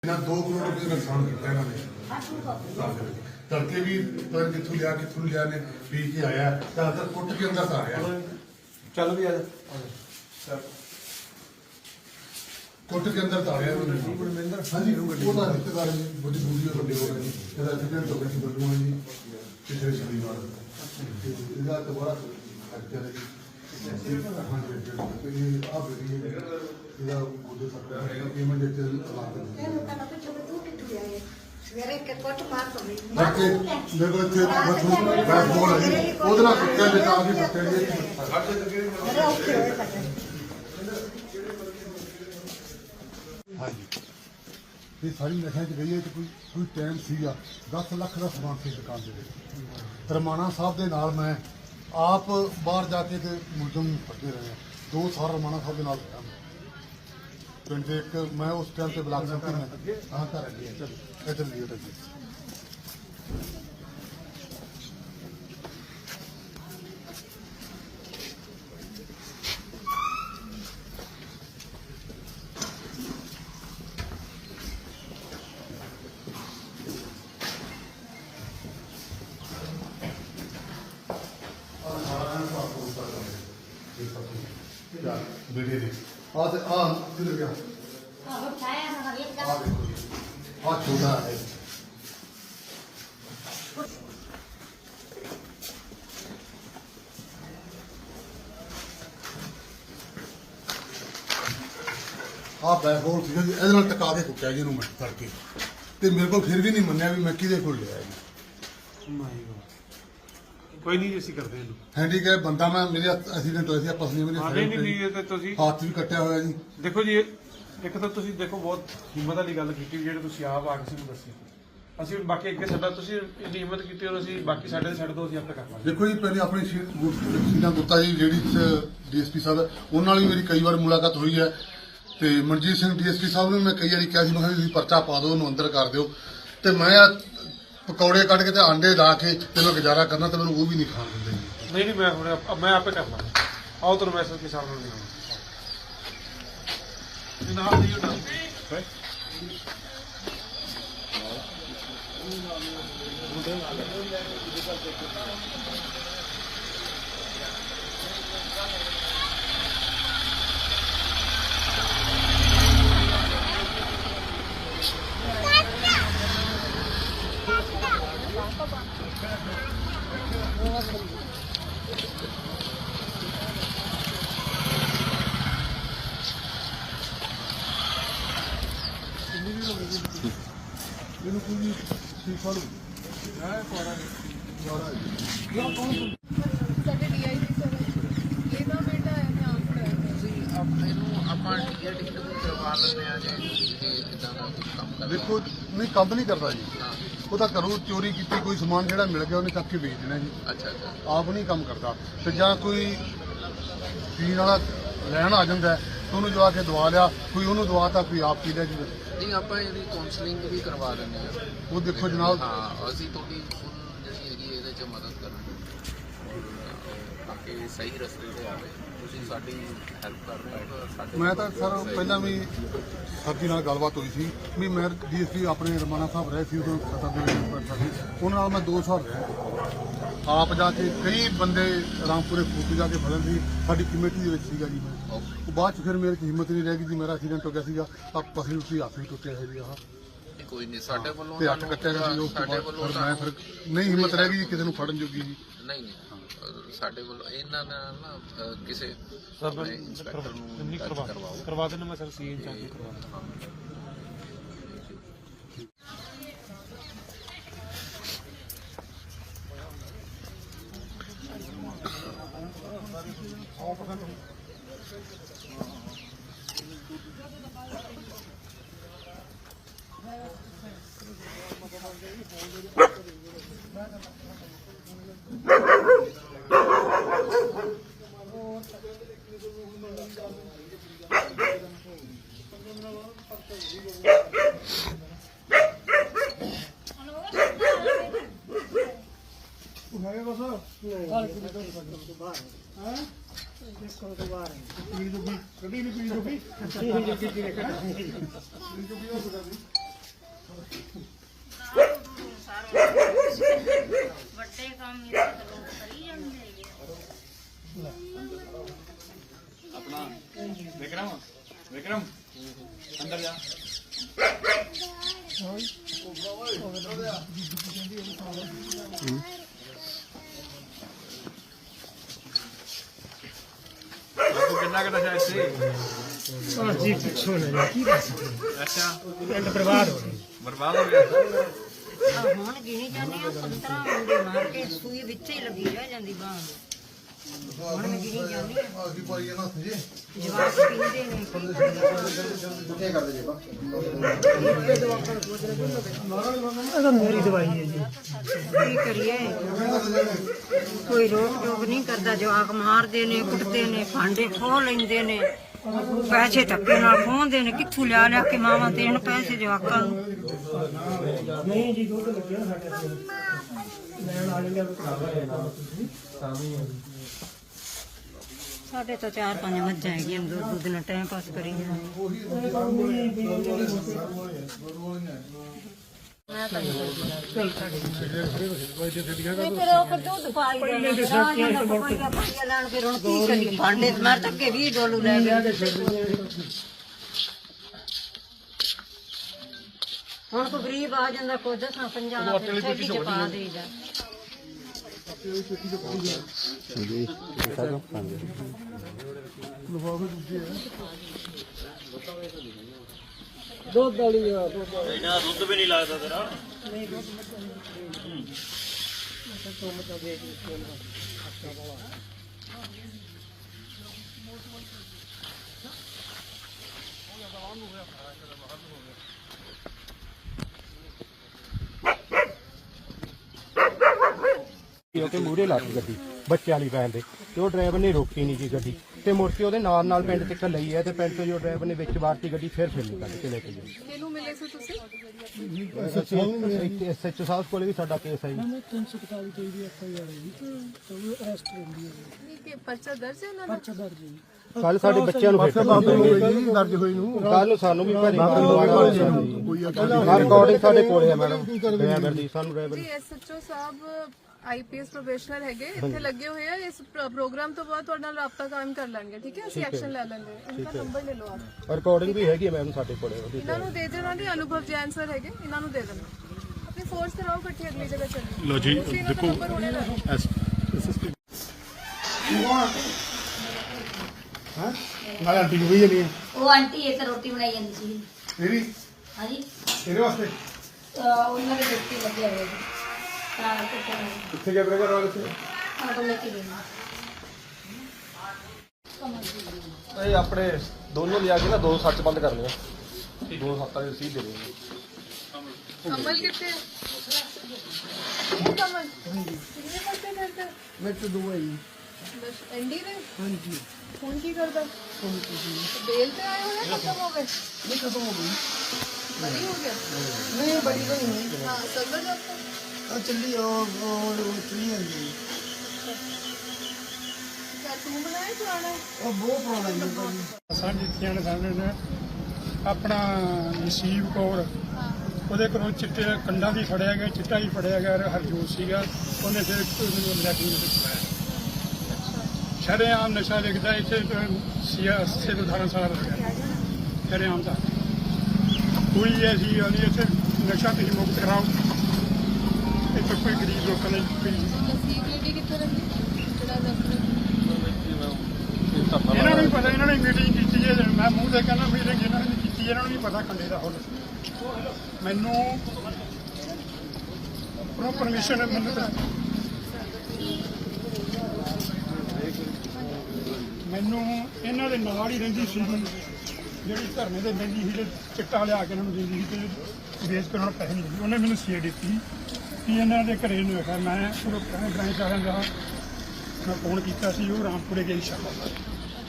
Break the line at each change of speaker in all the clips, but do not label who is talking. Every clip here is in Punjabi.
2 ਕਰੋੜ ਰੁਪਏ ਦਾ ਨੁਕਸਾਨ ਕੀਤਾ ਇਹਨਾਂ ਨੇ ਤੜਕੇ ਵੀ ਪਰ ਕਿੱਥੋਂ ਲਿਆ ਨੇ ਪੀ ਕੇ ਆਇਆ ਤਾਂ ਕੁੱਟ ਕੇ ਅੰਦਰ ਆ ਰਿਹਾ
ਚੱਲ ਵੀ ਆ ਜਾ
ਕੁੱਟ ਕੇ ਅੰਦਰ ਆ ਰਿਹਾ
ਗੁਰਮਿੰਦਰ
ਹਾਂਜੀ ਉਹਦਾ ਰਿਸ਼ਤੇਦਾਰ ਜੀ ਬੜੀ ਵੀਡੀਓ ਵੱਡੇ ਹੋ ਗਏ ਇਹਦਾ ਐਕਸੀਡੈਂਟ ਹੋ ਗਿਆ ਸੀ ਬੱਲੂਆਂ ਜੀ ਪਿਛਲੇ ਸ਼ਨੀਵਾਰ ਇਹਦਾ ਦੁਬਾਰਾ ਅੱਜਾ ਜੀ ਇਹਦਾ ਉਹਦੇ ਸਰਕਾਰ ਪੇਮੈਂਟ ਇੱਥੇ ਲਾ
ਸਵੇਰੇ ਕਿ ਕੋਟ ਮਾਰ ਤੋਂ ਨਹੀਂ
ਕਰਕੇ ਮੇਰੇ ਕੋਲ ਇੱਥੇ ਬੈਠ ਬੋਲ ਹੈ ਉਹਦੇ ਨਾਲ ਕੁੱਤੇ ਦੇ ਤਾਂ ਵੀ ਬੱਤੇ ਜੀ
ਮੇਰੇ ਔਖੇ ਹੋਏ ਤੱਕ
ਹਾਂਜੀ ਇਹ ਸਾਰੀ ਨਸ਼ਿਆਂ 'ਚ ਗਈ ਹੈ ਤੇ ਕੋਈ ਟਾਈਮ ਸੀਗਾ 10 ਲੱਖ ਦਾ ਸਮਾਨ ਸੀ ਦੁਕਾਨ ਦੇ ਵਿੱਚ ਰਮਾਣਾ ਸਾਹਿਬ ਦੇ ਨਾਲ ਮੈਂ ਆਪ ਬਾਹਰ ਜਾ ਕੇ ਤੇ ਮੁਲਜ਼ਮ ਫੜਦੇ ਰਹੇ 2 ਸਾਲ ਰਮਾਣਾ ਸਾਹਿਬ ਦੇ ਨਾਲ ਰਿਹਾ ਪਿੰਡ ਦੇ ਇੱਕ ਮੈਂ ਉਸ ਟਾਈਮ ਤੇ ਬਲਾਕ ਸੰਪਤੀ ਮੈਂ ਹਾਂ ਘਰ ਅੱਗੇ ਚਲੋ ਇੱਧਰ ਲਿਓ ਤਾਂ ਜੀ बेटे दे किधर गया देखो छोटा है बैकबोल सीगा जी ਇਹਦੇ ਨਾਲ ਟਕਾ ਕੇ ਕੁੱਟਿਆ ਜੀ ਇਹਨੂੰ ਮੈਂ ਤੜਕੇ ਤੇ ਮੇਰੇ ਕੋਲ ਫਿਰ ਵੀ ਨਹੀਂ ਮੰਨਿਆ ਵੀ ਮੈਂ ਕਿਹਦੇ ਕੋਲ ਲਿਆ ਜੀ
ਕੋਈ ਨਹੀਂ ਅਸੀਂ ਕਰਦੇ ਇਹਨੂੰ
ਹੈਂਡੀਕੈਪ ਬੰਦਾ ਮੈਂ ਮੇਰੇ ਐਕਸੀਡੈਂਟ ਹੋਇਆ ਸੀ ਆ ਪਸਲੀ ਮੇਰੇ
ਨਹੀਂ ਨਹੀਂ ਇਹ ਤੇ ਤੁਸੀਂ
ਹੱਥ ਵੀ ਕੱਟਿਆ ਹੋਇਆ ਜੀ
ਦੇਖੋ ਜੀ ਇੱਕ ਤਾਂ ਤੁਸੀਂ ਦੇਖੋ ਬਹੁਤ ਹਿੰਮਤ ਵਾਲੀ ਗੱਲ ਕੀਤੀ ਜਿਹੜੇ ਤੁਸੀਂ ਆਪ ਆ ਕੇ ਸਾਨੂੰ ਦੱਸੀ ਅਸੀਂ ਬਾਕੀ ਅੱਗੇ ਸਾਡਾ ਤੁਸੀਂ ਇੰਨੀ ਹਿੰਮਤ ਕੀਤੀ ਔਰ ਅਸੀਂ ਬਾਕੀ ਸਾਡੇ ਤੇ ਛੱਡ ਦੋ ਅਸੀਂ ਆਪੇ ਕਰ ਲਾਂਗੇ
ਦੇਖੋ ਜੀ ਪਹਿਲੇ ਆਪਣੀ ਸੀਨਾ ਗੁੱਤਾ ਜੀ ਜਿਹੜੀ ਡੀਐਸਪੀ ਸਾਹਿਬ ਉਹਨਾਂ ਨਾਲ ਵੀ ਮੇਰੀ ਕਈ ਵਾਰ ਮੁਲਾਕਾਤ ਹੋਈ ਹੈ ਤੇ ਮਨਜੀਤ ਸਿੰਘ ਡੀਐਸਪੀ ਸਾਹਿਬ ਨੂੰ ਮੈਂ ਕਈ ਵਾਰੀ ਕਿਹਾ ਸੀ ਮੈਂ ਕਿਹਾ ਤੁਸੀਂ ਪਰਚਾ ਪਾ ਦਿਓ ਉਹਨੂੰ ਅੰਦਰ ਕਰ ਦਿਓ ਤੇ ਮੈਂ ਪਕੌੜੇ ਕੱਢ ਕੇ ਤੇ ਆਂਡੇ ਲਾ ਕੇ ਤੇ ਮੈਂ ਗੁਜ਼ਾਰਾ ਕਰਨਾ ਤੇ ਮੈਨੂੰ ਉਹ ਵੀ ਨਹੀਂ ਖਾਣ ਦਿੰਦੇ
ਨਹੀਂ ਨਹੀਂ ਮੈਂ ਹੁਣ ਮੈਂ ਆਪੇ ਕਰ ਲਾਂਗਾ ਆਓ ਤੁਹਾਨੂੰ ਮੈਸੇਜ ਕੇ ਸਾਹਮਣੇ ਨਹੀਂ ਆਉਣਾ ਜਨਾਬ ਜੀ ਨਾ
ਇਹਨੂੰ ਕੋਈ ਸੀਫਾ ਲੂ
ਸਾਡੇ ਡੀਆਈਜੀ ਸਰ ਇਹਦਾ ਬੇਟਾ ਹੈ ਮੈਂ ਆਪ ਪੜਾਇਆ
ਤੁਸੀਂ ਆਪਣੇ ਨੂੰ ਆਪਾਂ ਟਿਕਟ ਵੀ ਕਰਵਾ ਲੈਂਦੇ ਆ ਜੀ ਕਿਦਾਂ ਦਾ ਕੁਝ ਕੰਮ ਕਰਦਾ
ਦੇਖੋ ਨਹੀਂ ਕੰਮ ਨਹੀਂ ਕਰਦਾ ਜੀ ਉਹ ਤਾਂ ਘਰੋਂ ਚੋਰੀ ਕੀਤੀ ਕੋਈ ਸਮਾਨ ਜਿਹੜਾ ਮਿਲ ਗਿਆ ਉਹਨੇ ਚੱਕ ਕੇ ਵੇਚ ਦੇਣਾ ਜੀ
ਅੱਛਾ ਅੱਛਾ
ਆਪ ਨਹੀਂ ਕੰਮ ਕਰਦਾ ਤੇ ਜਾਂ ਕੋਈ ਪੀਣ ਵਾਲਾ ਲੈਣ ਆ ਜਾਂਦਾ ਤੇ ਉਹਨੂੰ ਜਵਾ ਕੇ ਦਵਾ ਲਿਆ ਕੋਈ ਉਹਨੂੰ ਦਵਾਤਾ ਕੋਈ ਆਪ ਪੀ ਲਿਆ ਜੀ
ਨਹੀਂ ਆਪਾਂ ਇਹਦੀ ਕਾਉਂਸਲਿੰਗ ਵੀ ਕਰਵਾ ਦਿੰਦੇ ਆ
ਉਹ ਦੇਖੋ ਜਨਾਬ
ਹਾਂ ਅਸੀਂ ਤੁਹਾਡੀ ਜਿਹੜੀ ਹੈਗੀ ਇਹਦੇ 'ਚ ਮਦਦ ਕਰਾਂਗੇ ਤਾਂ ਕਿ ਸਹੀ ਰਸਤੇ ਤੇ ਆਵੇ ਤੁਸੀਂ ਸਾਡੀ ਹੈਲਪ ਕਰ ਪਾਓ ਸਾਡੇ
ਮੈਂ ਤਾਂ ਸਰ ਪਹਿਲਾਂ ਵੀ ਸਾਡੀ ਨਾਲ ਗੱਲਬਾਤ ਹੋਈ ਸੀ ਵੀ ਮੈਂ ਡੀਐਸਪੀ ਆਪਣੇ ਰਮਾਣਾ ਸਾਹਿਬ ਰਹੇ ਸੀ ਉਦੋਂ ਸਤਾ ਦੇ ਉਹਨਾਂ ਨਾਲ ਮੈਂ 2 ਸਾਲ ਰਿਹਾ ਆਪ ਜਾ ਕੇ ਕਈ ਬੰਦੇ ਰਾਮਪੁਰੇ ਫੂਕ ਜਾ ਕੇ ਫੜਨ ਸੀ ਸਾਡੀ ਕਮੇਟੀ ਦੇ ਵਿੱਚ ਸੀਗਾ ਜੀ ਮੈਂ ਉਹ ਬਾਅਦ ਚ ਫਿਰ ਮੇਰੇ ਚ ਹਿੰਮਤ ਨਹੀਂ ਰਹਿ ਗਈ ਜੀ ਮੇਰਾ ਐਕਸੀਡੈਂਟ ਹੋ ਗਿਆ ਸੀਗਾ ਤਾਂ ਪਸਲੀ ਉੱਤੇ ਹੱਥ ਵੀ ਟੁੱਟਿਆ ਹੈ ਜੀ ਆਹ
ਕੋਈ ਨਹੀਂ ਸਾਡੇ ਵੱਲੋਂ
ਤੇ ਹੱਥ ਕੱਟਿਆ ਗਿਆ ਸੀ ਉਸ ਤੋਂ
ਸਾਡੇ
ਬਾਅਦ
ਵੱਲੋਂ
ਫਿਰ ਮੈਂ ਫਿਰ ਨਹੀਂ ਹਿੰਮਤ ਰਹਿ ਗਈ ਜੀ ਕਿਸੇ ਨੂੰ ਫੜਨ ਜੋਗੀ ਜੀ
ਨਹੀਂ ਨਹੀਂ ਸਾਡੇ ਵੱਲੋਂ ਇਹਨਾਂ ਨਾਲ ਨਾ ਕਿਸੇ
ਸਰ
ਇੰਸਪੈਕਟਰ ਨੂੰ
ਨਹੀਂ ਕਰਵਾ ਦੇਣਾ ਮੈਂ ਸਰ ਸੀਐਨ ਚਾਹ ਕੇ ਕਰਵਾ ਦੇਣਾ
ਪੀੜੀ
अपना विक्रम विक्रम अंदर जा किन्ना का नशा इससे
जी पिछों ने की बस
अच्छा
पिंड बर्बाद हो गए
बर्बाद हो गया
ਹੁਣ ਗਿਣੀ ਜਾਂਦੀ ਆ 15 ਮੁੰਡੇ ਮਾਰ ਕੇ ਸੂਈ ਵਿੱਚ ਹੀ ਲੱਗੀ ਰਹਿ ਜਾਂਦੀ ਬਾਂਹ ਹੁਣ ਮੈਂ ਗਿਣੀ ਜਾਂਦੀ ਆ
ਆਗੀ ਪਾਈ ਇਹਨਾਂ ਸੇ
ਜਵਾਕ ਪੀਂਦੇ ਨੇ
ਇਹ ਤਾਂ ਮੇਰੀ ਦਵਾਈ ਹੈ ਜੀ
ਕੀ ਕਰੀਏ ਕੋਈ ਰੋਕ ਟੋਕ ਨਹੀਂ ਕਰਦਾ ਜਵਾਕ ਮਾਰਦੇ ਨੇ ਕੁੱਟਦੇ ਨੇ ਭਾਂਡੇ ਖੋਹ ਲੈਂਦੇ ਨੇ ਪੈਸੇ ਧੱਕੇ ਨਾਲ ਖੋਹਦੇ ਨੇ ਕਿੱਥੋਂ ਲਿਆ ਲਿਆ ਕੇ ਮਾਵਾਂ ਦੇਣ ਪੈਸੇ ਜਵਾਕਾਂ ਨੂੰ
ਨਹੀਂ ਜੀ ਦੁੱਧ ਲੱਗਿਆ ਸਾਡੇ ਕੋਲ ਲੈਣ ਵਾਲੇ ਨੇ ਤਾਂ ਵੀ
ਸਾਡੇ ਤਾਂ 4-5 ਮੱਝਾਂ ਹੈਗੀਆਂ ਦੁੱਧ ਨਾਲ ਟਾਈਮ ਪਾਸ ਕਰੀ ਜਾਂਦੇ ਫਿਰ ਉਹ ਦੁੱਧ ਪਾਈ ਜਾਂਦੇ ਪਾਈਆ ਲੈਣ ਫਿਰ ਹੁਣ ਕੀ ਕਰੀਏ ਭਾਂਡੇ ਮਾਰ ਤੱਕ 20 ਡੋਲੂ ਲੈ ਗਏ ਹੁਣ ਕੋਈ ਗਰੀਬ ਆ ਜਾਂਦਾ ਕੋਈ 10-50 ਦਾ ਫਿਰ ਛੇਤੀ ਚ ਪਾ ਦੇਈਦਾ
ਦੁੱਧ ਵਾਲੀ ਆ
ਕਿਉਂਕਿ ਮੂਹਰੇ ਲੱਗ ਗੱਡੀ ਬੱਚਿਆਂ ਵਾਲੀ ਵੈਨ ਦੇ ਤੇ ਉਹ ਡਰਾਈਵਰ ਨੇ ਰੋਕੀ ਨਹੀਂ ਜੀ ਗੱਡੀ ਤੇ ਮੁੜ ਕੇ ਉਹਦੇ ਨਾਲ ਪਿੰਡ ਤੱਕ ਲਈ ਹੈ ਤੇ ਪਿੰਡ ਤੋਂ ਜੋ ਡਰਾਈਵਰ ਨੇ ਵਿੱਚ ਵਾਰਤੀ ਗੱਡੀ ਫਿਰ ਨਿਕਲ ਕੇ ਲੈ ਕੇ ਗਏ।
ਕਿਹਨੂੰ ਮਿਲੇ ਸੀ ਤੁਸੀਂ
ਐਸਐਚਓ ਸਾਹਿਬ ਕੋਲੇ ਵੀ ਸਾਡਾ ਕੇਸ ਹੈ ਜੀ
347 ਤੇ ਵੀ ਐਫਆਈਆਰ ਹੈ ਜੀ ਤਾਂ ਉਹ ਅਰੈਸਟ ਹੁੰਦੀ ਹੈ
ਕਿ ਪਰਚਾ ਦਰਜ ਹੈ ਉਹਨਾਂ ਦਾ
ਪਰਚਾ ਦਰਜ ਜੀ
ਕੱਲ ਸਾਡੇ ਬੱਚਿਆਂ ਨੂੰ
ਦਰਜ ਹੋਈ ਨੂੰ
ਕੱਲ ਨੂੰ ਸਾਨੂੰ ਵੀ ਭਰੀ ਰਿਕਾਰਡਿੰਗ ਸਾਡੇ ਕੋਲੇ ਹੈ ਮੈਡਮ ਡਰਾਈਵਰ ਦੀ ਸਾਨੂੰ ਡਰਾਈਵਰ
ਜੀ ਐਸਐਚਓ ਸਾਹਿਬ ਆਈਪੀਐਸ ਪ੍ਰੋਫੈਸ਼ਨਲ ਹੈਗੇ ਇੱਥੇ ਲੱਗੇ ਹੋਏ ਆ ਇਸ ਪ੍ਰੋਗਰਾਮ ਤੋਂ ਬਾਅਦ ਤੁਹਾਡੇ ਨਾਲ ਰਾਬਤਾ ਕਾਇਮ ਕਰ ਲੈਣਗੇ ਠੀਕ ਹੈ ਅਸੀਂ ਐਕਸ਼ਨ ਲੈ ਲੈਂਗੇ ਇਹਨਾਂ ਦਾ ਨੰਬਰ ਲੈ ਲਓ ਆਪ
ਰਿਕਾਰਡਿੰਗ ਵੀ ਹੈਗੀ ਹੈ ਮੈਮ ਸਾਡੇ ਕੋਲੇ ਉਹਦੀ
ਇਹਨਾਂ ਨੂੰ ਦੇ ਦੇਣਾ ਨਹੀਂ ਅਨੁਭਵ ਜੈਨ ਸਰ ਹੈਗੇ ਇਹਨਾਂ ਨੂੰ ਦੇ ਦੇਣਾ ਆਪਣੀ ਫੋਰਸ ਤੇ ਰਹੋ ਇਕੱਠੀ ਅਗਲੀ ਜਗ੍ਹਾ ਚੱਲੀ ਲੋ ਜੀ ਦੇਖੋ
ਨਾਲ ਆਂਟੀ ਨੂੰ ਵੀ ਨਹੀਂ
ਉਹ ਆਂਟੀ ਇੱਕ ਰੋਟੀ ਬਣਾਈ ਜਾਂਦੀ ਸੀ
ਤੇਰੀ
ਹਾਂਜੀ
ਤੇਰੇ ਵਾਸਤੇ
ਉਹਨਾਂ ਦੇ ਬੱਚੇ ਲੱਗੇ ਹੋਏ ਸੀ ਤਾਂ
ਕਿੱਥੇ ਗਿਆ ਬ੍ਰਦਰ ਵਾਲੇ ਤੇ
ਆਟੋ ਲੈ ਕੇ ਗਏ
ਇਹ ਆਪਣੇ ਦੋਨੋਂ ਲਿਆ ਕੇ ਨਾ ਦੋ ਸੱਚ ਬੰਦ ਕਰ ਲਿਆ ਦੋ ਸੱਤਾਂ ਦੀ ਰਸੀਦ ਦੇ ਦਿਓ
ਕਮਲ ਕਿੱਥੇ ਹੈ? ਉਹ ਕਮਲ ਕਿੰਨੇ ਬੱਚੇ ਕਰਦਾ
ਮੈਂ ਤਾਂ ਦਵਾਈ
ਬਸ ਐਂਡੀ ਨੇ
ਹਾਂਜੀ
ਹੁਣ ਕੀ ਕਰਦਾ ਬੇਲ ਤੇ ਆਏ ਹੋਏ ਖਤਮ ਹੋ ਗਏ
ਨਹੀਂ ਖਤਮ ਹੋ ਗਈ
ਬੜੀ ਹੋ ਗਿਆ
ਨਹੀਂ ਬੜੀ ਤਾਂ ਨਹੀਂ
ਹਾਂ ਸਦਰ ਜਾਤਾ
ਆ ਚੱਲੀ ਉਹ ਉਤਰੀ ਆਂਦੀ
ਕਿਆ ਤੂੰ ਬਣਾਇਆ ਪੁਰਾਣਾ
ਉਹ ਬਹੁਤ ਪੁਰਾਣਾ ਜੀ
ਸਾਡੀ ਧੀਆਂ ਨੇ ਸਾਹਮਣੇ ਨੇ ਆਪਣਾ ਨਸੀਬ ਕੌਰ ਉਹਦੇ ਕੋਲੋਂ ਚਿੱਟੇ ਕੰਡਾਂ ਦੀ ਫੜਿਆ ਗਿਆ ਚਿੱਟਾ ਹੀ ਫੜਿਆ ਗਿਆ ਹਰਜੋਤ ਸੀਗਾ ਉਹਨੇ ਫਿਰ ਲੈ ਕੇ ਪਾਇਆ ਸ਼ਰੇਆਮ ਨਸ਼ਾ ਲਿਖਦਾ ਇੱਥੇ ਸਿਆਸਤ ਦੇ ਧਾਰਨ ਸਾਰਾ ਲੱਗਿਆ ਸ਼ਰੇਆਮ ਦਾ ਕੋਈ ਐਸੀ ਗੱਲ ਨਹੀਂ ਇੱਥੇ ਨਸ਼ਾ ਤੁਸੀਂ ਮੁਕਤ ਕਰਾਓ ਇੱਥੇ ਕੋਈ ਗਰੀਬ ਲੋਕਾਂ ਨੇ ਕੋਈ
ਨਸੀਬ ਲੇਡੀ ਕਿੱਥੇ ਰਹਿੰਦੀ ਜਿਹੜਾ ਦਫ਼ਤਰ
ਇਹਨਾਂ ਨੂੰ ਵੀ ਪਤਾ ਇਹਨਾਂ ਨੇ ਮੀਟਿੰਗ ਕੀਤੀ ਹੈ ਮੈਂ ਮੂੰਹ ਤੇ ਕਹਿੰਦਾ ਮੀਟਿੰਗ ਇਹਨਾਂ ਨੇ ਕੀਤੀ ਇਹਨਾਂ ਨੂੰ ਵੀ ਪਤਾ ਖੰਡੇ ਦਾ ਹੁਣ ਮੈਨੂੰ ਪ੍ਰੋ ਪਰਮਿਸ਼ਨ ਮੈਨੂੰ ਤਾਂ ਮੈਨੂੰ ਇਹਨਾਂ ਦੇ ਨਾਲ ਹੀ ਰਹਿੰਦੀ ਸੀ ਜਿਹੜੀ ਧਰਨੇ ਦੇ ਬੈਂਦੀ ਸੀ ਤੇ ਚਿੱਟਾ ਲਿਆ ਕੇ ਇਹਨਾਂ ਨੂੰ ਦਿੰਦੀ ਸੀ ਤੇ ਵੇਚ ਕੇ ਉਹਨਾਂ ਨੂੰ ਪੈਸੇ ਨਹੀਂ ਦਿੰਦੀ ਉਹਨੇ ਮੈਨੂੰ ਸੀ ਦਿੱਤੀ ਕਿ ਇਹਨਾਂ ਦੇ ਘਰੇ ਨੂੰ ਆਖਿਆ ਮੈਂ ਪੂਰੇ ਬ੍ਰਾਂਚ ਵਾਲਿਆਂ ਦਾ ਮੈਂ ਫੋਨ ਕੀਤਾ ਸੀ ਉਹ ਰਾਮਪੁਰੇ ਗਏ ਸ਼ਾਮਲ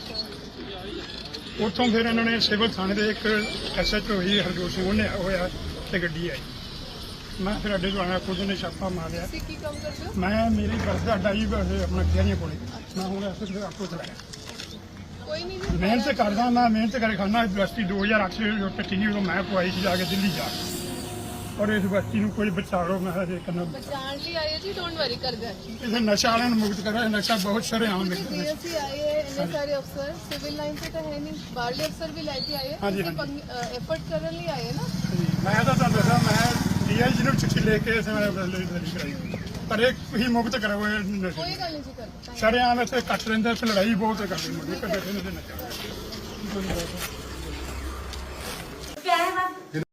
ਉੱਥੋਂ ਫਿਰ ਇਹਨਾਂ ਨੇ ਸਿਵਲ ਥਾਣੇ ਦੇ ਇੱਕ ਐਸਐਚਓ ਹੀ ਹਰਜੋਤ ਸਿੰਘ ਉਹਨੇ ਹੋਇਆ ਤੇ ਗੱਡੀ ਆਈ ਮੈਂ ਫਿਰ ਅੱਡੇ ਤੋਂ ਆਇਆ ਖੁਦ ਨੇ ਛਾਪਾ ਮਾਰਿਆ
ਤੁਸੀਂ ਕੀ ਕੰਮ ਕਰਦੇ ਹੋ
ਮੈਂ ਮੇਰੀ ਬੱਸ ਦਾ ਅੱਡਾ ਹੀ ਆਪਣਾ ਕਿਹੜੀਆਂ ਕੋਲੇ ਮੈਂ ਹੁਣ ਐਸਐਚਓ ਆਪਕੋ ਚਲਾਇਆ
ਕੋਈ ਨਹੀਂ ਜੀ
ਮਿਹਨਤ ਕਰਦਾ ਮੈਂ ਮਿਹਨਤ ਕਰਕੇ ਖਾਣਾ ਯੂਨੀਵਰਸਿਟੀ 2008 ਚ ਕੱਟੀ ਸੀ ਉਦੋਂ ਮੈਂ ਪਵਾਈ ਸੀ ਜਾ ਕੇ ਦਿੱਲੀ ਜਾ ਕੇ ਔਰ ਇਸ ਬੱਚੀ ਨੂੰ ਕੋਈ ਬਚਾਓ। ਮੈਂ ਹਜੇ ਕਰਨਾ
ਬਚਾਉਣ ਲਈ ਆਏ ਜੀ, ਡੋਂਟ ਵਰੀ ਕਰਦੇ ਹਾਂ।
ਇਹ ਨਸ਼ਾ ਵਾਲਿਆਂ ਨੂੰ ਮੁਕਤ ਕਰਾ। ਨਸ਼ਾ ਬਹੁਤ ਸ਼ਰੇਆਮ ਵਿਕਦਾ ਹੈ।
ਅਸੀਂ ਆਏ ਹੈ, ਇੰਨੇ ਸਾਰੇ ਅਫਸਰ ਸਿਵਲ ਲਾਈਨ ਤੇ ਤਾਂ ਹੈ ਨਹੀਂ, ਬਾਹਰਲੇ ਅਫਸਰ ਵੀ ਲੈ ਕੇ ਆਏ,
ਹਾਂਜੀ,
ਐਫਰਟ ਕਰਨ ਲਈ ਆਏ ਨਾ।
ਮੈਂ ਤਾਂ ਤੁਹਾਨੂੰ ਦੱਸਾਂ, ਮੈਂ ਡੀਆਈਜੀ ਨੂੰ ਚਿੱਠੀ ਲੈ ਕੇ ਇਸ ਵੇਲੇ ਕਰਾਈ, ਪਰ ਇਹ ਹੀ ਮੁਕਤ ਕਰੋ ਇਹ ਨਸ਼ੇ।
ਕੋਈ ਗੱਲ ਨਹੀਂ ਜੀ ਕਰਦੇ।
ਸ਼ਰੇਆਮ ਇੱਥੇ ਕੱਟ ਲੈਂਦੇ ਤੇ ਲੜਾਈ ਬਹੁਤ ਕਰਦੇ ਮੁੰਡੇ ਕੱਢੇ ਨੇ ਨਸ਼ਾ।